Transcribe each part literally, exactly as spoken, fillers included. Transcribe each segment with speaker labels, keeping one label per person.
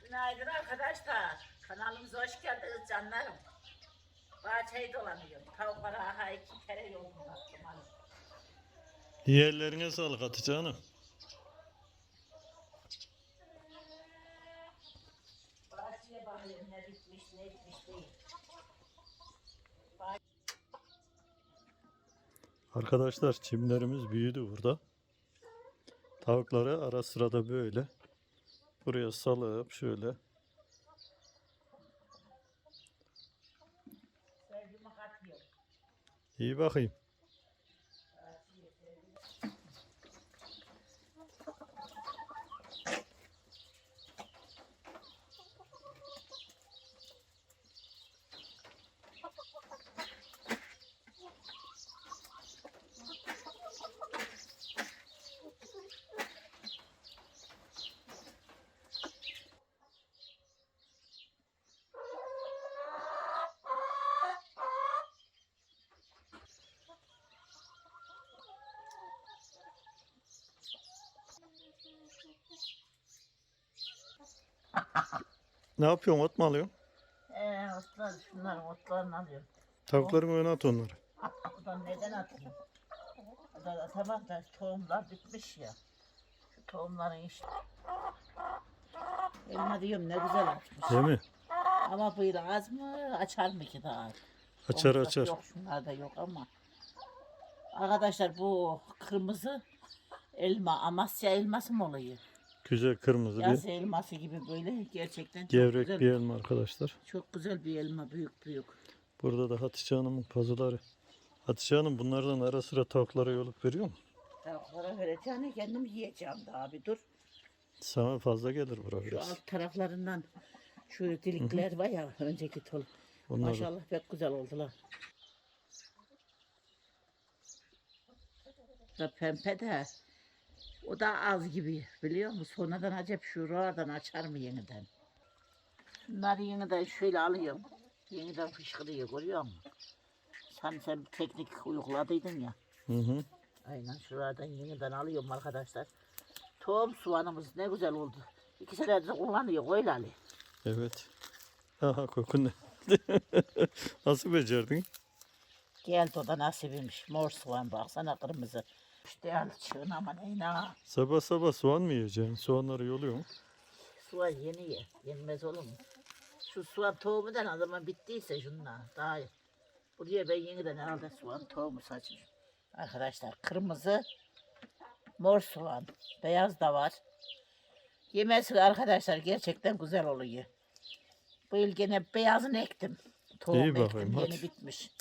Speaker 1: Günaydın arkadaşlar. Kanalımıza hoş geldiniz canlarım. Bahçeyi dolanıyorum. Tavuklara aha iki kere yolunu baktım.
Speaker 2: Yerlerine sağlık Hatice Hanım.
Speaker 1: Bahçeye bakıyorum ne bitmiş ne etmiş değil.
Speaker 2: Arkadaşlar çimlerimiz büyüdü burada. Tavukları ara sırada böyle buraya salıp şöyle.
Speaker 1: Sevgimi katmıyorum.
Speaker 2: İyi bakayım. Ne yapıyorsun? Ot mu alıyorsun?
Speaker 1: Eee otlar şunların otlarını alıyorum.
Speaker 2: Tavukların önüne at onları.
Speaker 1: Buradan neden atayım? Burada tamam da tohumlar bitmiş ya. Şu tohumların işte. Elma diyorum ne güzel açmış.
Speaker 2: Değil mi?
Speaker 1: Ama bu yıl az mı açar mı ki daha?
Speaker 2: Açar
Speaker 1: Olacak
Speaker 2: açar.
Speaker 1: Yok şunlarda yok ama. Arkadaşlar bu kırmızı elma Amasya elması mı oluyor?
Speaker 2: Güzel kırmızı
Speaker 1: Yaz
Speaker 2: bir
Speaker 1: elması gibi böyle gerçekten çok
Speaker 2: gevrek
Speaker 1: güzel.
Speaker 2: bir elma arkadaşlar.
Speaker 1: Çok güzel bir elma büyük büyük.
Speaker 2: Burada da Hatice Hanım'ın pazıları. Hatice Hanım bunlardan ara sıra tavuklara yolup veriyor mu?
Speaker 1: Tavuklara vereceğine kendim yiyeceğim de abi dur.
Speaker 2: Sana fazla gelir buraya
Speaker 1: Şu
Speaker 2: biraz.
Speaker 1: alt taraflarından şu delikler var ya önceki tol.
Speaker 2: Onları.
Speaker 1: Maşallah pek güzel oldular. Da pembe de o da az gibi biliyor musun? Sonradan acaba şuradan açar mı yeniden? Bunları yeniden şöyle alıyorum. Yeniden fışkırıyor görüyor musun? Sen sen bir teknik uyguladıydın ya.
Speaker 2: Hı hı.
Speaker 1: Aynen şuradan yeniden alıyorum arkadaşlar. Tohum soğanımız ne güzel oldu. İki senedir kullanıyor öyle Ali.
Speaker 2: Evet. Aha kokun ne? Nasıl becerdin?
Speaker 1: Geldi o da nasibiymiş. Mor soğan baksana kırmızı. İşte al çığın ama neyine ha.
Speaker 2: Sabah sabah soğan mı yiyeceksin? Soğanları yoluyor mu?
Speaker 1: Soğan yeni ye. Yenmez olur mu? Şu soğan tohumundan o zaman bittiyse şunla daha iyi. Buraya ben yeniden herhalde soğan tohumu saçayım. Arkadaşlar kırmızı, mor soğan, beyaz da var. Yemesi arkadaşlar gerçekten güzel oluyor. Bu yıl gene beyazını ektim. Tohum
Speaker 2: İyi bakayım,
Speaker 1: ektim yeni
Speaker 2: hadi.
Speaker 1: bitmiş.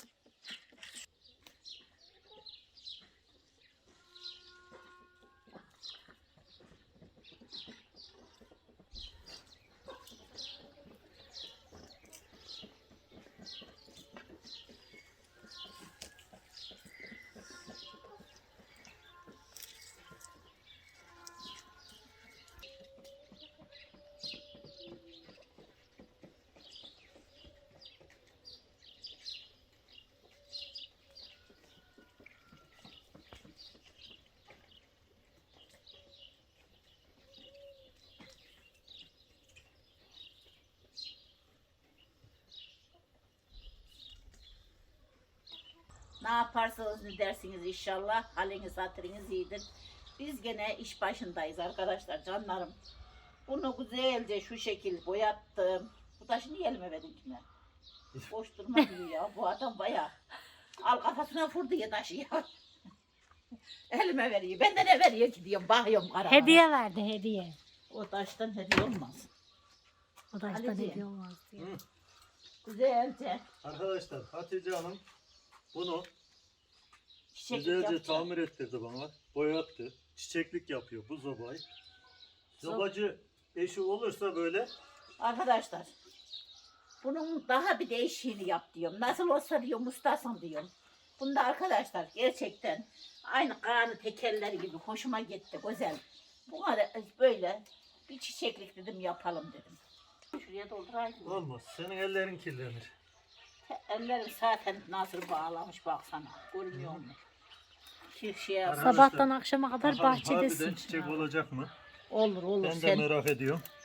Speaker 1: Ne yaparsanız ne dersiniz inşallah. Haliniz hatırınız iyidir. Biz gene iş başındayız arkadaşlar canlarım. Bunu güzelce şu şekil boyattım. Bu taşı niye elime verdin kime? Boş durma diyor ya. Bu adam bayağı. Al kafasına vurdu ya taşı ya. Elime veriyor. Ben de ne veriyor ki diyorum. Bakıyorum kara.
Speaker 3: Hediye verdi hediye.
Speaker 1: O taştan hediye olmaz.
Speaker 3: O da işte
Speaker 1: Ali'ciğim.
Speaker 3: hediye olmaz diye.
Speaker 2: Hı.
Speaker 1: Güzelce
Speaker 2: Arkadaşlar Hatice Hanım bunu
Speaker 1: çiçeklik
Speaker 2: güzelce
Speaker 1: yapacağım.
Speaker 2: tamir ettirdi bana. Boyattı. Çiçeklik yapıyor bu zobayı. Zobacı eşi olursa böyle
Speaker 1: Arkadaşlar bunun daha bir değişiğini yap diyorum. Nasıl olsa diyorum ustasın diyorum. Bunda arkadaşlar gerçekten aynı kanı tekerleri gibi hoşuma gitti güzel. Buna da böyle bir çiçeklik dedim yapalım dedim. Şuraya doldurayım.
Speaker 2: olmaz. Senin ellerin kirlenir.
Speaker 1: Ellerim zaten nasıl bağlamış baksana. Görmüyor musun? Şu şeye
Speaker 2: Arkadaşlar,
Speaker 3: Sabahtan akşama kadar
Speaker 2: bakalım
Speaker 3: bahçedesin.
Speaker 2: harbiden çiçek olacak mı?
Speaker 1: olur olur.
Speaker 2: Ben de
Speaker 1: Sen
Speaker 2: merak ediyorum.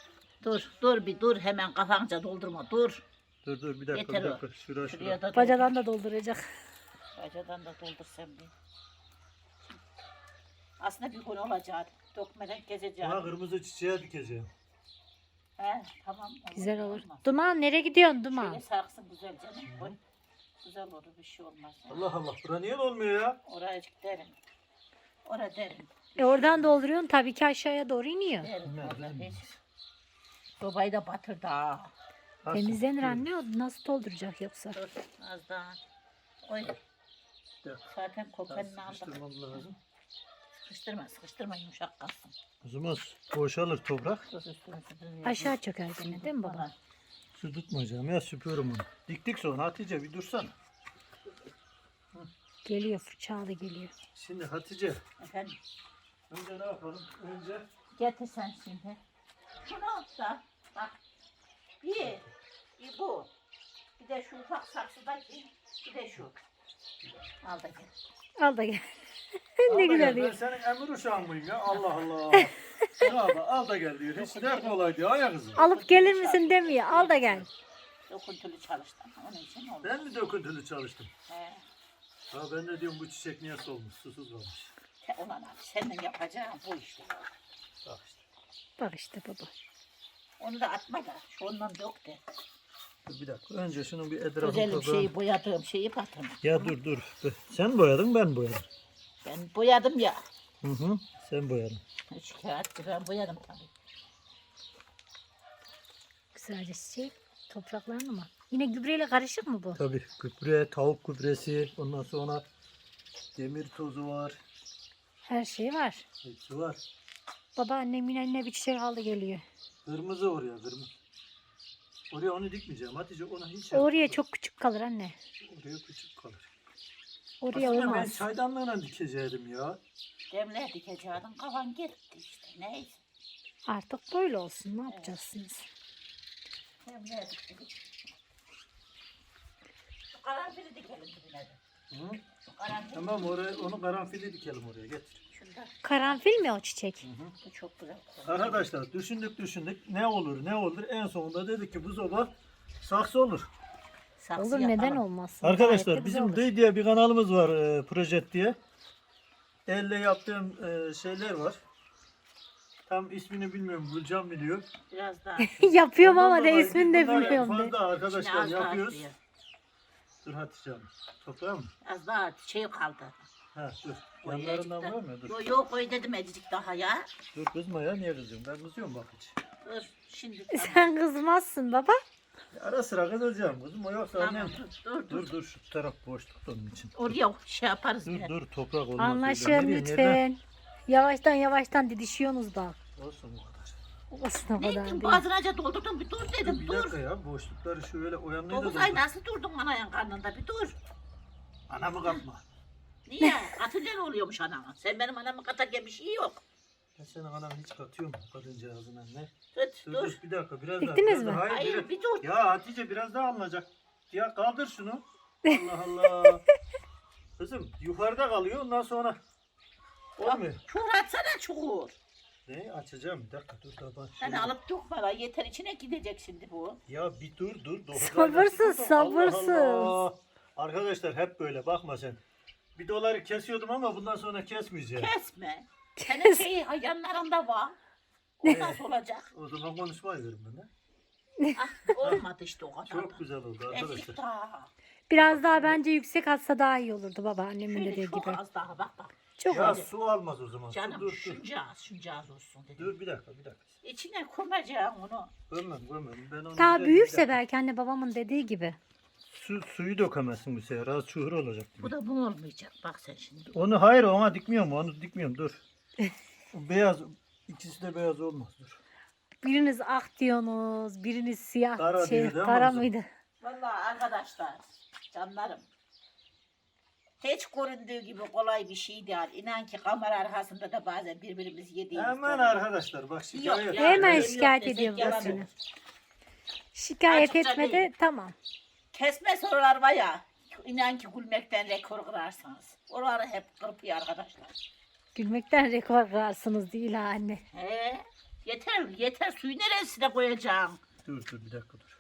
Speaker 1: Dur dur bir dur hemen kafanca doldurma dur.
Speaker 2: Dur dur bir dakika
Speaker 1: Yeter
Speaker 2: bir
Speaker 1: o.
Speaker 2: dakika. Şura
Speaker 1: Şuraya
Speaker 2: şura.
Speaker 1: da doldur.
Speaker 3: Bacadan da dolduracak.
Speaker 1: Bacadan da doldur sen bir. Aslında bir gün olacak. Dökmeden gezeceğim.
Speaker 2: Buna kırmızı çiçeğe dikeceğim.
Speaker 1: He tamam.
Speaker 3: Güzel olur.
Speaker 1: Olmaz.
Speaker 3: Duman nereye gidiyorsun Duman?
Speaker 1: Şöyle sarksın güzel canım. Koy. Güzel olur bir şey olmaz.
Speaker 2: Allah Allah. Bura niye olmuyor ya?
Speaker 1: Oraya derin. Oraya derin.
Speaker 3: E oradan dolduruyorsun tabii ki aşağıya doğru iniyor.
Speaker 1: Derin.
Speaker 2: Bilmem,
Speaker 1: Orada
Speaker 2: bilmem.
Speaker 1: hiç. Sobayı da batırdı ha.
Speaker 2: Nasıl?
Speaker 3: Temizlenir anne, o nasıl dolduracak yoksa?
Speaker 1: Dur az daha. Oy.
Speaker 2: Dur.
Speaker 1: Zaten kopenini aldık.
Speaker 2: Sıkıştırmam lazım.
Speaker 1: Sıkıştırma sıkıştırma yumuşak kalsın.
Speaker 2: O zaman boşalır toprak.
Speaker 1: Dur üstüne süpürüyor.
Speaker 3: Aşağı çöker gene değil mi baba?
Speaker 2: Su tutmayacağım ya süpüyorum onu. Diktik sonra Hatice bir dursana.
Speaker 3: Geliyor, fırçalı geliyor.
Speaker 2: Şimdi Hatice
Speaker 1: Efendim.
Speaker 2: önce ne yapalım? Önce
Speaker 1: Getir sen şimdi. Şunu da bak. Bir. Bir bu. Bir de şu ufak saksıdaki. Bir de şu. Al da gel.
Speaker 3: Al da gel.
Speaker 2: al
Speaker 3: Ne
Speaker 2: da
Speaker 3: güzel
Speaker 2: gel. Ben
Speaker 3: diyor.
Speaker 2: senin emir uşağın mıyım ya? Allah Allah. al, da, al da gel diyor. Hiç de kolay diyor ya kızım.
Speaker 3: Alıp gelir misin demiyor. Al da gel.
Speaker 1: Dokuntulu çalıştım. Onun için oldu.
Speaker 2: Ben mi döküntülü çalıştım?
Speaker 1: He.
Speaker 2: Ha ben de diyorum bu çiçek niye solmuş? Susuz kalmış.
Speaker 1: Te- Ulan abi senin yapacağın bu işte.
Speaker 2: Bak işte.
Speaker 3: Bak işte baba.
Speaker 1: Onu da atma da. Şu ondan dök de.
Speaker 2: Dur bir dakika. Önce şunun bir etrafını
Speaker 1: Güzelim
Speaker 2: toprağını-
Speaker 1: şeyi boyadığım şeyi batırma.
Speaker 2: Ya dur dur. Sen boyadın ben boyadım.
Speaker 1: Ben boyadım ya.
Speaker 2: Hı hı. Sen boyadın.
Speaker 1: Üç kağıt ben boyadım tabii.
Speaker 3: Güzelce çiçek. Topraklarını mı? Yine gübreyle karışık mı bu?
Speaker 2: Tabii gübre, tavuk gübresi, ondan sonra demir tozu var.
Speaker 3: Her şey var.
Speaker 2: Hepsi var.
Speaker 3: Baba annem yine eline bir çiçek aldı geliyor.
Speaker 2: Kırmızı oraya kırmızı. Oraya onu dikmeyeceğim. Hatice ona hiç yapma.
Speaker 3: Oraya çok küçük kalır anne.
Speaker 2: Oraya küçük kalır.
Speaker 3: Oraya
Speaker 2: Aslında ben
Speaker 3: olmaz.
Speaker 2: çaydanlığına dikecektim ya.
Speaker 1: Demle dikeceğim kafan gitti işte neyse.
Speaker 3: Artık böyle olsun. Ne yapacaksınız?
Speaker 1: Demle diktik. Şu karanfili dikelim dibine de.
Speaker 2: Hı?
Speaker 1: Şu karanfil.
Speaker 2: Tamam oraya onu karanfili dikelim oraya getir.
Speaker 1: Şunda.
Speaker 3: Karanfil mi o çiçek?
Speaker 1: Bu çok güzel.
Speaker 2: Arkadaşlar düşündük düşündük ne olur ne olur en sonunda dedik ki bu zoba saksı olur.
Speaker 1: Saksı
Speaker 3: Olur,
Speaker 1: yapalım.
Speaker 3: neden olmasın? Gayet
Speaker 2: Arkadaşlar
Speaker 3: de güzel
Speaker 2: bizim
Speaker 3: olur.
Speaker 2: Dıy diye bir kanalımız var e, Projet diye. Elle yaptığım e, şeyler var. Tam ismini bilmiyorum Gülcan biliyor.
Speaker 1: Biraz daha.
Speaker 3: Yapıyorum
Speaker 2: Ondan
Speaker 3: ama de
Speaker 2: dolayı
Speaker 3: ismini de
Speaker 2: bunlar
Speaker 3: bilmiyorum de.
Speaker 2: Fazla
Speaker 1: İçine
Speaker 2: arkadaşlar
Speaker 1: az daha
Speaker 2: yapıyoruz.
Speaker 1: atıyor.
Speaker 2: Dur Hatice Hanım. Toprağı mı?
Speaker 1: Az daha şey kaldı.
Speaker 2: Ha dur.
Speaker 1: O
Speaker 2: Yanlarından
Speaker 1: ecikten-
Speaker 2: var mı? Dur.
Speaker 1: Yok yok koy dedim ecik daha ya.
Speaker 2: Dur kızma ya niye kızıyorsun? Ben kızıyorum bak hiç.
Speaker 1: Dur şimdi tamam.
Speaker 3: Sen kızmazsın baba.
Speaker 2: Ara sıra kızacağım kızım o yoksa
Speaker 1: Tamam
Speaker 2: annem.
Speaker 1: dur dur dur.
Speaker 2: Dur dur şu taraf boşluk onun için.
Speaker 1: Oraya şey yaparız.
Speaker 2: Dur
Speaker 1: yine.
Speaker 2: dur toprak olmaz. öyle.
Speaker 3: Anlaşın
Speaker 2: Nereye,
Speaker 3: lütfen.
Speaker 2: nereden?
Speaker 3: Yavaştan yavaştan didişiyorsunuz da.
Speaker 2: Olsun o kadar.
Speaker 3: Olsun o
Speaker 1: Ne
Speaker 3: kadar
Speaker 1: ettin
Speaker 3: değil.
Speaker 1: boğazınaca doldurdun bir dur
Speaker 2: Dur
Speaker 1: dedim
Speaker 2: bir
Speaker 1: dur.
Speaker 2: dakika ya boşlukları şöyle o yanına da
Speaker 1: Dokuz
Speaker 2: dur.
Speaker 1: ay nasıl durdun anayın karnında bir dur.
Speaker 2: Anamı kapma.
Speaker 1: Niye? Atınca ne oluyormuş anama? Sen benim anamı katarken bir şey yok.
Speaker 2: Ben senin ananı hiç katıyorum kadıncağızın anne.
Speaker 1: Tut
Speaker 2: Dur,
Speaker 1: dur.
Speaker 2: dur bir dakika biraz daha.
Speaker 3: Diktiniz
Speaker 2: biraz
Speaker 3: mi?
Speaker 2: daha. Hayır,
Speaker 1: Hayır
Speaker 2: biraz-
Speaker 1: bir dur.
Speaker 2: Ya Hatice biraz daha alınacak. Ya kaldır şunu. Allah Allah. Kızım yukarıda kalıyor ondan sonra. Olmuyor.
Speaker 1: Çukur atsana çukur.
Speaker 2: Ne açacağım bir dakika dur da bak.
Speaker 1: Sen
Speaker 2: şöyle.
Speaker 1: alıp dökme la yeter içine gidecek şimdi bu.
Speaker 2: Ya bir dur dur. dokuz
Speaker 3: Sabırsız,
Speaker 2: ayda-
Speaker 3: sabırsız.
Speaker 2: Allah Allah. Arkadaşlar hep böyle bakma sen. Bir doları kesiyordum ama bundan sonra kesmeyeceğim.
Speaker 1: Kesme. Senin şeyi yanlarında var. O nasıl olacak?
Speaker 2: O zaman konuşmayı verin bana.
Speaker 1: Ah, olmadı işte o kadar.
Speaker 2: Çok güzel oldu
Speaker 1: Ezik
Speaker 2: arkadaşlar.
Speaker 1: daha.
Speaker 3: Biraz daha bence yüksek atsa daha iyi olurdu baba annemin
Speaker 1: Şöyle
Speaker 3: dediği
Speaker 1: çok
Speaker 3: gibi.
Speaker 1: az daha bak bak.
Speaker 3: Çok
Speaker 2: Ya
Speaker 3: az.
Speaker 2: su almaz o zaman. Su,
Speaker 1: Canım
Speaker 2: dur dur.
Speaker 1: şunca az şunca az olsun dedim.
Speaker 2: Dur bir dakika bir dakika.
Speaker 1: İçine koyacağım onu.
Speaker 2: Gömmem gömmem. Ben onu
Speaker 3: Daha
Speaker 2: güzel-
Speaker 3: büyürse
Speaker 2: bir dakika.
Speaker 3: belki anne babamın dediği gibi.
Speaker 2: Su, suyu dökemezsin bu sefer. Az çuhur olacak gibi.
Speaker 1: Bu da bu olmayacak. Bak sen şimdi.
Speaker 2: Onu hayır ona dikmiyorum. Onu dikmiyorum dur. O beyaz ikisi de beyaz olmaz dur.
Speaker 3: Biriniz ak diyorsunuz, biriniz siyah
Speaker 2: Kara
Speaker 3: şey,
Speaker 2: diyor değil mi
Speaker 3: kara
Speaker 2: kızım?
Speaker 3: mıydı?
Speaker 1: Vallahi arkadaşlar, canlarım. Hiç göründüğü gibi kolay bir şey değil. İnan ki kamera arkasında da bazen birbirimizi yediğimiz
Speaker 2: Hemen
Speaker 1: oluyor.
Speaker 2: arkadaşlar bak şikayet.
Speaker 1: Yok ya.
Speaker 3: Hemen
Speaker 1: benim yok
Speaker 3: şikayet
Speaker 1: desek
Speaker 3: ediyor
Speaker 1: yalan
Speaker 3: babasını.
Speaker 1: olur.
Speaker 3: Şikayet
Speaker 1: Açıkça
Speaker 3: etmedi,
Speaker 1: değil.
Speaker 3: tamam.
Speaker 1: Kesme sorular var ya. İnan ki gülmekten rekor kırarsınız. Oraları hep kırpıyor arkadaşlar.
Speaker 3: Gülmekten rekor kırarsınız değil ha anne.
Speaker 1: He. Yeter yeter suyu neresine koyacağım?
Speaker 2: Dur dur bir dakika dur.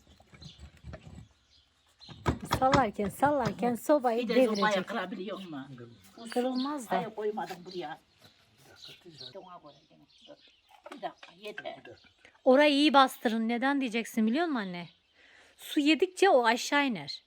Speaker 3: Sallarken sallarken sobayı
Speaker 1: Bir de sobaya
Speaker 3: devirecek.
Speaker 1: kırabiliyor musun? Bu su-
Speaker 3: Kırılmaz da.
Speaker 1: Hayır koymadım buraya.
Speaker 2: Bir dakika Hatice.
Speaker 1: Ona koy gene. Dur. Bir dakika yeter.
Speaker 2: Bir dakika.
Speaker 3: Orayı iyi bastırın. Neden diyeceksin biliyor musun anne? Su yedikçe o aşağı iner.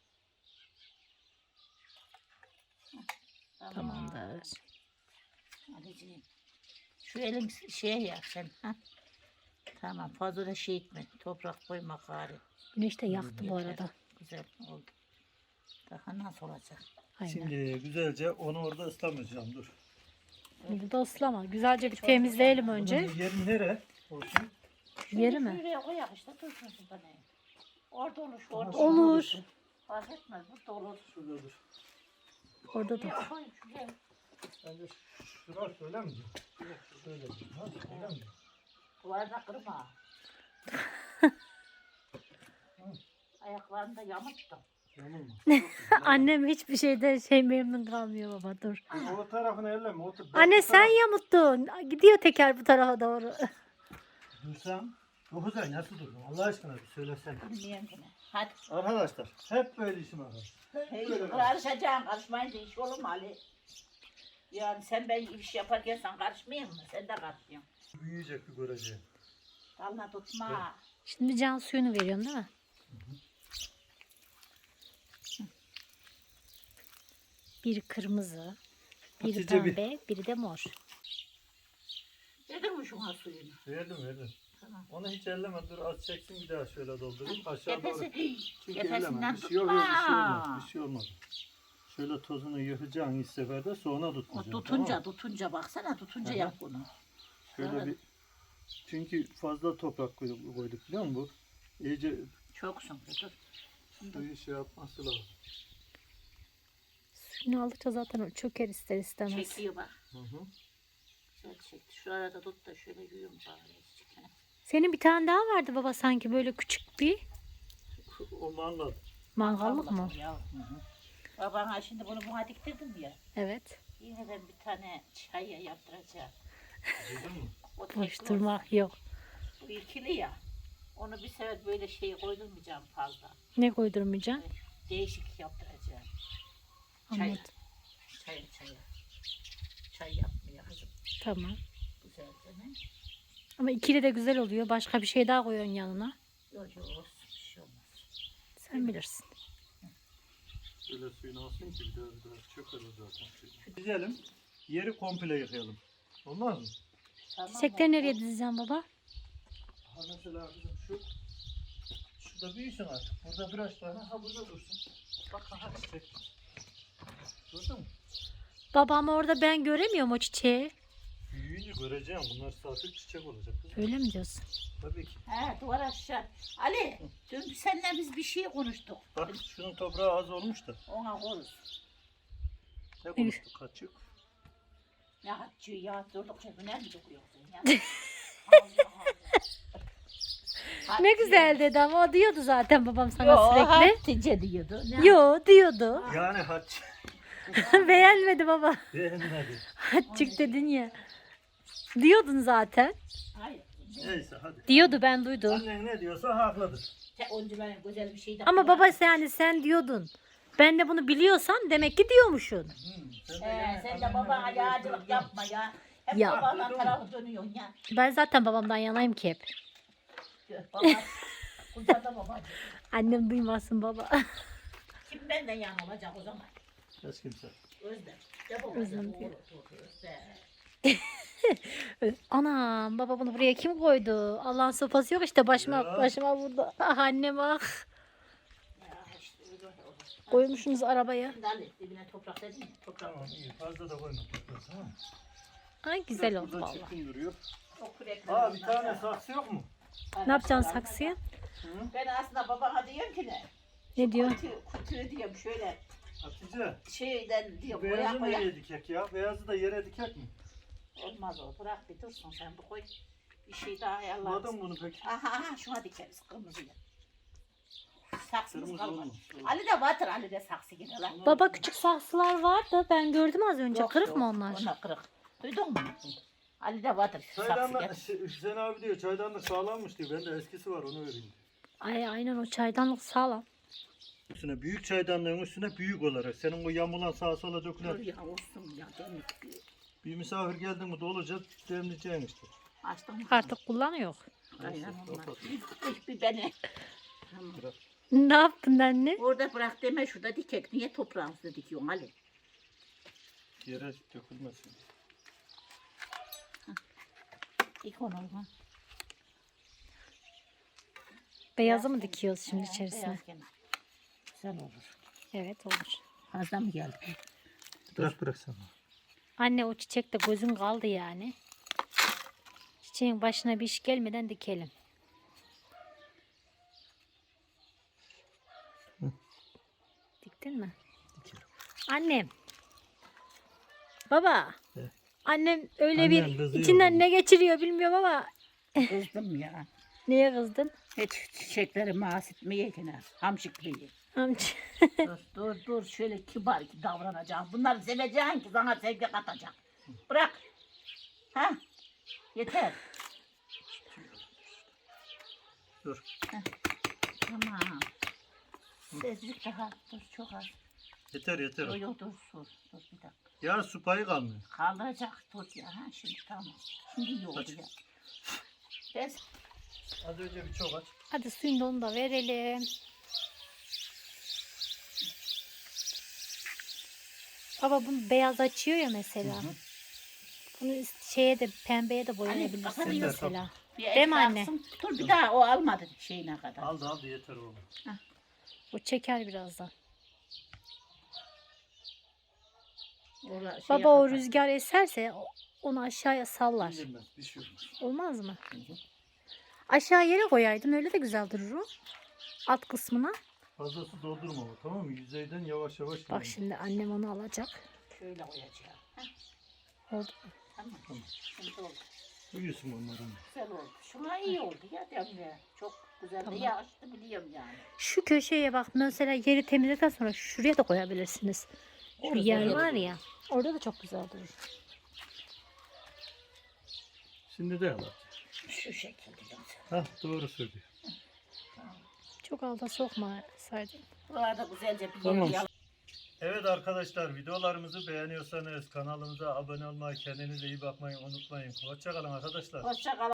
Speaker 3: Tamamdır.
Speaker 1: Anneciğim. Şu elin şeye ya sen. Ha? Tamam fazla da şey etme. Toprak koyma gari.
Speaker 3: Güneş de yaktı bu arada.
Speaker 1: Güzel oldu. Daha nasıl olacak?
Speaker 3: Aynen.
Speaker 2: Şimdi güzelce onu orada ıslamayacağım dur.
Speaker 3: Burada ıslama. Güzelce bir temizleyelim önce.
Speaker 2: Bunun yeri nere? Olsun.
Speaker 3: Yeri mi?
Speaker 1: Şuraya koyak işte dursun şurada ne? Orada olur şu orada
Speaker 3: Olur.
Speaker 1: Fark etmez burada olur.
Speaker 2: Şurada dur.
Speaker 3: Orada da.
Speaker 1: Şuraya koy şuraya.
Speaker 2: Bence şurası öyle mi? Şöyle. Ha, öyle mi?
Speaker 1: Duvarda kırma. Ayaklarını da yamuttum.
Speaker 2: Yamulma.
Speaker 3: Annem hiçbir şeyde şey memnun kalmıyor baba dur.
Speaker 2: O tarafını elleme. O
Speaker 3: Anne sen yamuttun. Gidiyor teker bu tarafa doğru.
Speaker 2: Dursam. Bu güzel nasıl durdun? Allah aşkına bir söylesene.
Speaker 1: Bilmiyorum yine. Hadi.
Speaker 2: Arkadaşlar hep böyle işim var.
Speaker 1: Hey, karışacaksın. Karışmayınca iş olur mu Ali? Yani sen ben iş yaparken sen karışmayayım mı? Sen de karışıyorsun.
Speaker 2: Büyüyecek bir göreceğim.
Speaker 1: Dalına tutma.
Speaker 3: Şimdi can suyunu veriyorsun değil mi? Bir kırmızı, bir
Speaker 2: Hatice bir-
Speaker 3: pembe, biri de mor.
Speaker 1: Yedin mi şuna suyunu?
Speaker 2: Verdim verdim.
Speaker 1: Tamam.
Speaker 2: Onu hiç elleme dur az çeksin bir daha şöyle doldurayım. Aşağı doğru.
Speaker 1: Tepesi,
Speaker 2: Çünkü elleme.
Speaker 1: tepesinden
Speaker 2: Bir şey yok, yok, bir şey olmaz.
Speaker 1: tutma.
Speaker 2: Bir şey olmaz. Şöyle tozunu yıkacaksın ilk seferde sonra
Speaker 1: O
Speaker 2: tutmayacaksın.
Speaker 1: tutunca,
Speaker 2: tamam mı?
Speaker 1: tutunca baksana tutunca
Speaker 2: Hı hı.
Speaker 1: yap bunu.
Speaker 2: Şöyle
Speaker 1: Evet.
Speaker 2: bir çünkü fazla toprak koyduk, koyduk biliyor musun bu? İyice
Speaker 1: Çoksun. Dur.
Speaker 2: suyu şey yapması lazım.
Speaker 3: Suyunu aldıkça zaten o çöker ister istemez.
Speaker 1: Çekiyor bak.
Speaker 2: Hı hı.
Speaker 1: Güzel çekti. Şu arada tut da şöyle yuyum bari.
Speaker 3: Senin bir tane daha vardı baba sanki böyle küçük bir
Speaker 2: O mangal.
Speaker 3: mangallık mı?
Speaker 1: Ya. Hı hı. Babana şimdi bunu buna diktirdim ya.
Speaker 3: Evet.
Speaker 1: Yine de bir tane çay yaptıracağım.
Speaker 2: Duydun mu?
Speaker 1: O tek
Speaker 3: Boş
Speaker 1: o.
Speaker 3: durmak yok.
Speaker 1: Bu ikili ya. Onu bir sefer böyle şey koydurmayacağım fazla.
Speaker 3: Ne koydurmayacaksın?
Speaker 1: Değişik yaptıracağım. Çay.
Speaker 3: Anladım.
Speaker 1: Çay çay. Çay yapmıyor kızım.
Speaker 3: Tamam.
Speaker 1: Güzelce ne?
Speaker 3: Ama ikili de güzel oluyor. Başka bir şey daha koyuyorsun yanına.
Speaker 1: Yok yok olsun bir şey olmaz.
Speaker 3: Sen bilirsin.
Speaker 2: Şöyle suyunu alsın ki biraz biraz çöker o zaten. Dizelim. Yeri komple yıkayalım. Olmaz mı?
Speaker 1: Tamam
Speaker 3: Çiçekleri
Speaker 1: mı?
Speaker 3: nereye dizeceğim baba?
Speaker 2: Ha mesela bizim şu şurada büyüsün artık. Burada biraz daha ha burada dursun. Bak ha çiçek. Gördün mü?
Speaker 3: Babam orada ben göremiyorum o çiçeği.
Speaker 2: Büyüyünce göreceğim. Bunlar saatlik çiçek olacak. Kızım.
Speaker 3: Öyle mi diyorsun?
Speaker 2: Tabii ki.
Speaker 1: He duvar aşağı. Ali dün seninle biz bir şey konuştuk.
Speaker 2: Bak şunun toprağı az olmuş da.
Speaker 1: Ona konuş.
Speaker 2: Ne konuştuk kaçık.
Speaker 1: Ne haccı ya durdukça güner mi dokuyorsun ya? Allah Allah.
Speaker 3: Ne güzel dedi ama o diyordu zaten babam sana
Speaker 1: Yo,
Speaker 3: sürekli.
Speaker 1: Hatice diyordu. Ne
Speaker 3: Yo diyordu.
Speaker 2: Yani haç.
Speaker 3: Beğenmedi baba.
Speaker 2: Beğenmedi.
Speaker 3: Haççık dedin ya. Diyordun zaten.
Speaker 1: Hayır.
Speaker 2: Neyse hadi.
Speaker 3: Diyordu ben duydum.
Speaker 2: Annen ne diyorsa haklıdır.
Speaker 1: Sen onca benim güzel bir şey de
Speaker 3: Ama baba sen, yani sen diyordun. Ben de bunu biliyorsan demek ki diyormuşsun.
Speaker 2: Hmm, sen
Speaker 1: He,
Speaker 2: yani
Speaker 1: sen de
Speaker 2: annenle
Speaker 1: babana
Speaker 2: beni
Speaker 1: yağcılık
Speaker 2: gösterdin.
Speaker 1: yapma ya. Hep
Speaker 3: Ya.
Speaker 1: babanın
Speaker 2: Duydun mu?
Speaker 1: tarafı dönüyorsun ya.
Speaker 3: Ben zaten babamdan yanayım ki hep.
Speaker 1: Diyor, Baba, kucağında babacığım.
Speaker 3: Annem duymasın baba.
Speaker 1: Kim benden yan olacak o zaman?
Speaker 2: Hiç kimse.
Speaker 1: Özlem. De babacığım.
Speaker 3: Özlem diyor.
Speaker 1: Doğru, doğru, Özlem.
Speaker 3: Anam baba bunu buraya kim koydu? Allah'ın sopası yok işte başıma
Speaker 2: Ya.
Speaker 3: başıma vurdu. Ah annem ah.
Speaker 1: Ya işte öyle olur.
Speaker 3: Koymuşsunuz arabaya.
Speaker 1: Şimdi Ali dibine toprak dedin ya. Toprak.
Speaker 2: Tamam iyi fazla da koyma toprağı tamam mı?
Speaker 3: Ay güzel
Speaker 2: Biraz
Speaker 3: oldu
Speaker 2: burada
Speaker 3: valla.
Speaker 2: çirkin duruyor.
Speaker 1: Çok kürekler.
Speaker 2: Aa bir tane saksı yok mu?
Speaker 3: Ne yapacaksın saksıya?
Speaker 2: Hı?
Speaker 1: Ben aslında babana diyorum ki ne?
Speaker 3: Ne diyor?
Speaker 1: Kutu, kutuyu diyorum şöyle
Speaker 2: Hatice.
Speaker 1: şeyden diyor boya
Speaker 2: Beyazı
Speaker 1: boya.
Speaker 2: nereye dikek ya? Beyazı da yere dikek mi?
Speaker 1: Olmaz o. Bırak bir dursun sen bu koy. Bir şey daha ayarlarız.
Speaker 2: Buladın bunu peki?
Speaker 1: Aha aha şuna dikeriz kırmızıyı. Saksımız
Speaker 2: Kırmızı
Speaker 1: kalmadı.
Speaker 2: olmuş.
Speaker 1: Ali de batır Ali de saksı gider lan.
Speaker 3: Baba küçük saksılar var da ben gördüm az önce.
Speaker 1: Yok,
Speaker 3: Kırık
Speaker 1: yok,
Speaker 3: mı onlar?
Speaker 1: Onlar kırık. Duydun mu? Ali de vardır. Saksı
Speaker 2: Çaydanlık,
Speaker 1: gel.
Speaker 2: Hü- Hüseyin abi diyor çaydanlık sağlammış diyor. Bende eskisi var onu vereyim diyor.
Speaker 3: Ay aynen o çaydanlık sağlam.
Speaker 2: Üstüne büyük çaydanlığın üstüne büyük olarak. Senin o yamulan sağa sola
Speaker 1: Dur
Speaker 2: dökülen
Speaker 1: ya olsun ya. Demlik bir.
Speaker 2: bir misafir geldi mi dolacak demleyeceksin işte.
Speaker 1: Açtın mı?
Speaker 3: Artık kullanıyor.
Speaker 1: Aynen onlar.
Speaker 2: Kapat.
Speaker 1: Bir, bir beni. Tamam.
Speaker 2: Bırak.
Speaker 3: Ne yaptın anne?
Speaker 1: Orada bırak deme şurada dikek. Niye toprağımızda dikiyorsun Ali?
Speaker 2: Yere dökülmesin.
Speaker 1: Dik onu ha.
Speaker 3: Beyazı mı dikiyoruz şimdi
Speaker 1: He,
Speaker 3: içerisine?
Speaker 1: beyaz gene. Güzel olur.
Speaker 3: Evet olur.
Speaker 1: Fazla mı geldi?
Speaker 2: Bırak bırak sen.
Speaker 3: Anne o çiçekte gözün kaldı yani. Çiçeğin başına bir iş gelmeden dikelim.
Speaker 2: Hı.
Speaker 3: Diktin mi?
Speaker 2: Dikerim.
Speaker 3: Annem. Baba.
Speaker 2: He.
Speaker 3: Annem öyle
Speaker 2: Annem
Speaker 3: bir
Speaker 2: kızıyor
Speaker 3: içinden
Speaker 2: bana.
Speaker 3: ne geçiriyor bilmiyorum ama
Speaker 1: Kızdım ya.
Speaker 3: niye kızdın?
Speaker 1: Hiç çiçekleri mahsetmeye gene. Hamşıklıyı.
Speaker 3: Amca.
Speaker 1: dur dur dur şöyle kibar ki davranacağım. Bunları seveceksin ki sana sevgi katacak. Bırak. Ha? Yeter.
Speaker 2: Dur.
Speaker 1: Tamam. Sezlik daha. Dur çok az.
Speaker 2: Yeter yeter.
Speaker 1: Yok yok dur dur. Dur bir dakika.
Speaker 2: Ya su payı kalmıyor.
Speaker 1: Kaldıracak dur ya. Ha, şimdi tamam. Şimdi iyi oldu
Speaker 2: Aç.
Speaker 1: ya. Ben
Speaker 2: Az önce bir çok aç.
Speaker 3: Hadi suyunu da onu da verelim. Baba bunu beyaz açıyor ya mesela.
Speaker 2: Hı hı.
Speaker 3: Bunu şeye de pembeye de
Speaker 1: Hani
Speaker 3: boyayabilirsin
Speaker 1: kafanı
Speaker 3: mesela.
Speaker 1: bir
Speaker 3: Değil mi anne?
Speaker 1: etraksın. Dur bir daha o almadı şeyine kadar.
Speaker 2: Aldı aldı yeter oğlum.
Speaker 3: O çeker birazdan.
Speaker 1: Orada şeye
Speaker 3: Baba o
Speaker 1: kadar.
Speaker 3: rüzgar eserse o- onu aşağıya sallar.
Speaker 2: İndirmez bir şey olmaz.
Speaker 3: Olmaz mı? Aşağı yere koyaydın öyle de güzel durur o. Alt kısmına.
Speaker 2: Fazla su doldurma ama tamam mı? Yüzeyden yavaş yavaş.
Speaker 3: Bak
Speaker 2: gidelim.
Speaker 3: şimdi annem onu alacak.
Speaker 1: Şöyle koyacağım. Heh,
Speaker 3: Oldu.
Speaker 1: tamam.
Speaker 2: Tamam.
Speaker 1: Şimdi oldu.
Speaker 2: Uyusun onların.
Speaker 1: Güzel oldu. Şuna iyi oldu ya Demre. Çok güzel
Speaker 3: Tamam.
Speaker 1: de yağıştı biliyorum yani.
Speaker 3: Şu köşeye bak mesela yeri temizledikten sonra şuraya da koyabilirsiniz. Şu
Speaker 1: Orada
Speaker 3: yer
Speaker 1: da
Speaker 3: var
Speaker 2: olur.
Speaker 3: ya. Orada da çok güzel durur.
Speaker 2: Şimdi de al.
Speaker 1: Şu şekilde.
Speaker 2: Hah doğru söylüyor.
Speaker 3: Çok alta sokma saydın.
Speaker 1: Buralarda güzelce bir
Speaker 2: Tamam.
Speaker 1: yer
Speaker 2: Evet arkadaşlar videolarımızı beğeniyorsanız kanalımıza abone olmayı, kendinize iyi bakmayı unutmayın. Hoşça kalın arkadaşlar.
Speaker 1: Hoşça kal.